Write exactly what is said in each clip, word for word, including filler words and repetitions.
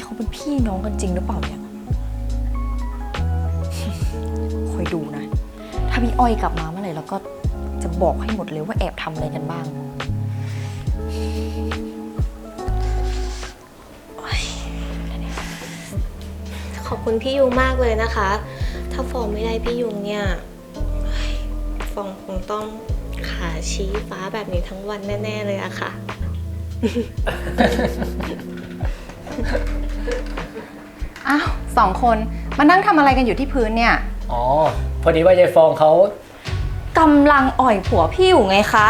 เขาเป็นพี่น้องกันจริงหรือเปล่าเนี่ยคอยดูนะถ้าพี่อ้อยกลับมาเมื่อไหร่แล้วก็จะบอกให้หมดเลยว่าแอบทำอะไรกันบ้างขอบคุณพี่ยุงมากเลยนะคะ ถ้าฟองไม่ได้พี่ยุงเนี่ยฟองคงต้องขาชี้ฟ้าแบบนี้ทั้งวันแน่ๆเลยอะค่ะอ้าวสองคนมานั่งทำอะไรกันอยู่ที่พื้นเนี่ยอ๋อ พอดีว่ายายฟองเขากำลังอ่อยผัวพี่อยู่ไงคะ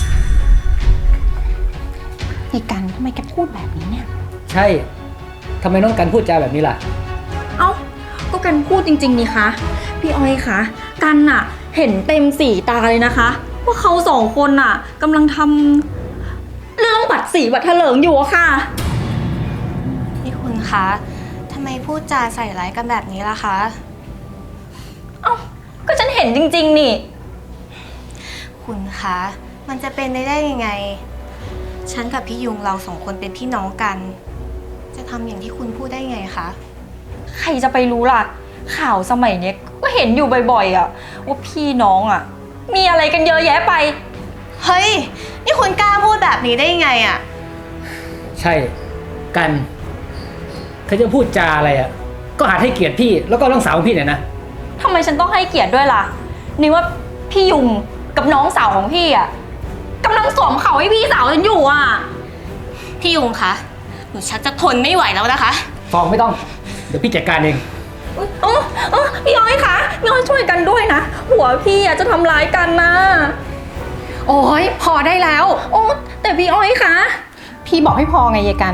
ไอ้กันทำไมแกพูดแบบนี้เนี่ยใช่ทำไมน้องกันพูดจาแบบนี้ล่ะเอ้าก็กันพูดจริงๆนี่คะพี่อ้อยคะกันน่ะเห็นเต็มสีตาเลยนะคะว่าเขาสองคนน่ะกำลังทำเรื่องบัตรสีบัตรเถลิงอยู่อะค่ะนี่คุณคะทำไมพูดจาใส่ร้ายกันแบบนี้ล่ะคะเอ้าก็ฉันเห็นจริงๆนี่คุณคะ มันจะเป็นได้ได้ยังไง ฉันกับพี่ยุงเราสองคนเป็นพี่น้องกัน จะทำอย่างที่คุณพูดได้ไงคะใครจะไปรู้ล่ะข่าวสมัยเนี้ยก็เห็นอยู่บ่อยๆอะว่าพี่น้องอะมีอะไรกันเยอะแยะไปเฮ้ย นี่คุณกล้าพูดแบบนี้ได้ยังไงอะใช่กันเธอจะพูดจาอะไรอ่ะ ก็หัดให้เกียรติพี่แล้วก็น้องสาวของพี่หน่อยนะทำไมฉันต้องให้เกียรติด้วยล่ะนี่ว่าพี่ยุงกับน้องสาวของพี่อะกำลังสวมเขาให้พี่สาวฉันอยู่อะพี่ยุงคะ หนูชักจะทนไม่ไหวแล้วนะคะฟองไม่ต้อง เดี๋ยวพี่จัดการเองเออเออพี่อ้อยคะพี่อ้อยช่วยกันด้วยนะหัวพี่อะจะทำร้ายกันนะโอ้ยพอได้แล้วโอ้แต่พี่อ้อยคะพี่บอกให้พอไงยายกัน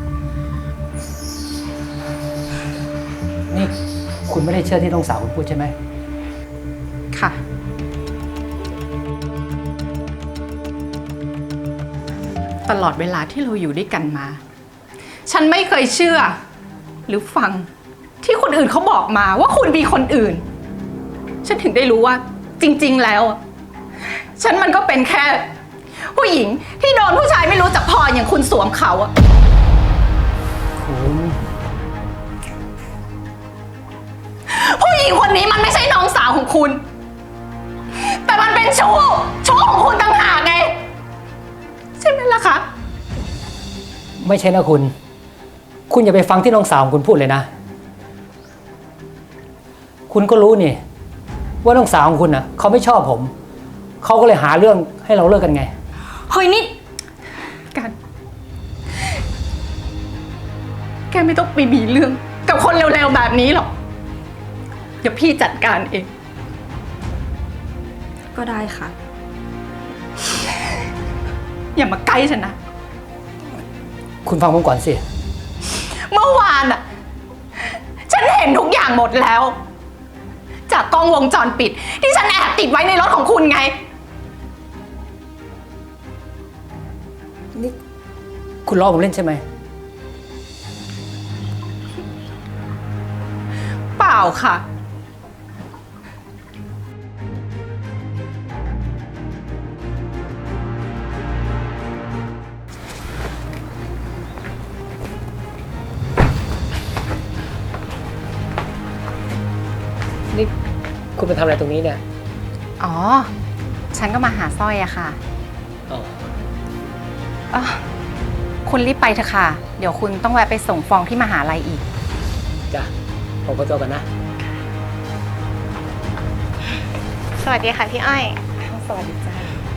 นี่คุณไม่ได้เชื่อที่น้องสาวคุณพูดใช่ไหมค่ะ ตลอดเวลาที่เราอยู่ด้วยกันมา ฉันไม่เคยเชื่อ หรือฟังที่คนอื่นเขาบอกมาว่าคุณมีคนอื่น ฉันถึงได้รู้ว่าจริงๆแล้ว ฉันมันก็เป็นแค่ ผู้หญิงที่โดนผู้ชายไม่รู้จักพออย่างคุณสวมเขาอะคุณผู้หญิงคนนี้มันไม่ใช่น้องสาวของคุณ แต่มันเป็นชู้ชู้ของคุณต่างหากไงใช่ไหมล่ะคะไม่ใช่นะคุณ คุณอย่าไปฟังที่น้องสาวของคุณพูดเลยนะ คุณก็รู้นี่ ว่าน้องสาวของคุณน่ะเขาไม่ชอบผม เขาก็เลยหาเรื่องให้เราเลิกกันไงเฮ้ยนี่กัน แกไม่ต้องไปมีเรื่องกับคนเร็วๆแบบนี้หรอก เดี๋ยวพี่จัดการเองก็ได้ค่ะอย่ามาใกล้ฉันนะคุณฟังผมก่อนสิเมื่อวานอะฉันเห็นทุกอย่างหมดแล้ว จากกล้องวงจรปิด ที่ฉันแอบติดไว้ในรถของคุณไงนี่คุณล้อผมเล่นใช่ไหมเปล่าค่ะนี่คุณมาทำอะไรตรงนี้เนี่ยอ๋อ ฉันก็มาหาสร้อยอะค่ะอ๋ออ่ะคุณรีบไปเถอะค่ะ เดี๋ยวคุณต้องแวะไปส่งฟองที่มหาลัยอีกจ้ะผมขอตัวกันนะสวัสดีค่ะพี่อ้อยสวัสดีจ้า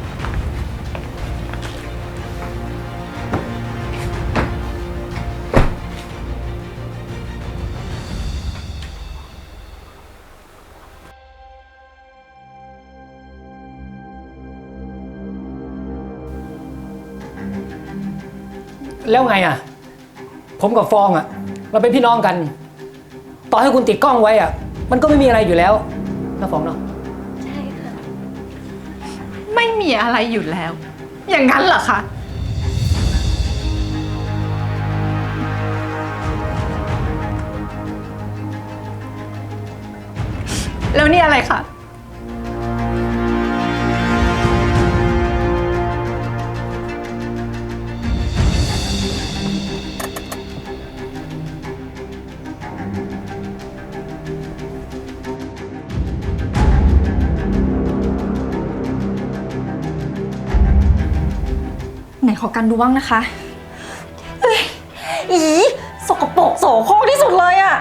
แล้วไงอ่ะ ผมกับฟองอ่ะ เราเป็นพี่น้องกัน ต่อให้คุณติดกล้องไว้อ่ะ มันก็ไม่มีอะไรอยู่แล้วนะฟองเนาะใช่ค่ะไม่มีอะไรอยู่แล้ว อย่างนั้นเหรอคะ แล้วนี่อะไรคะขอกันดูบ้างนะคะเอ้ยอีสกปรกโสโครกที่สุดเลยอะ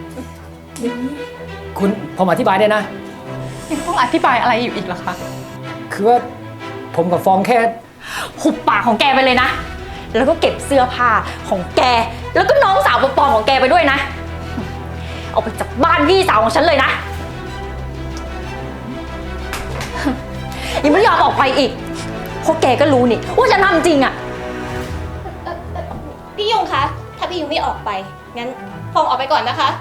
คุณผมอธิบายได้นะยังต้องอธิบายอะไรอยู่อีกล่ะคะคือว่าผมกับฟองแค่หุบปากของแกไปเลยนะ แล้วก็เก็บเสื้อผ้าของแก แล้วก็น้องสาวปลอมๆของแกไปด้วยนะ เอาไปจากบ้านพี่สาวของฉันเลยนะ ยังไม่ยอมออกไปอีก เพราะแกก็รู้นี่ว่าฉันทำจริงอะพี่ยุงคะ ถ้าพี่ยุงไม่ออกไป งั้นฟองออกไปก่อนนะคะ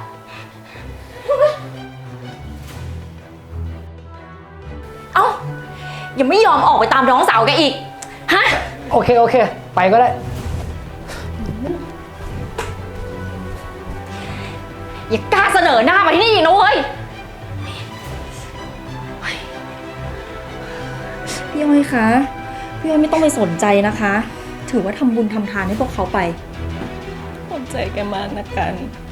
เอ้า ยังไม่ยอมออกไปตามน้องสาวแกอีก ฮะโอเคโอเค ไปก็ได้อย่ากล้าเสนอหน้ามาที่นี่อีกนะเว้ย พี่อ้อยคะ พี่อ้อยไม่ต้องไปสนใจนะคะ ถือว่าทำบุญทำทานให้พวกเขาไปขอบใจแกมากนะกัน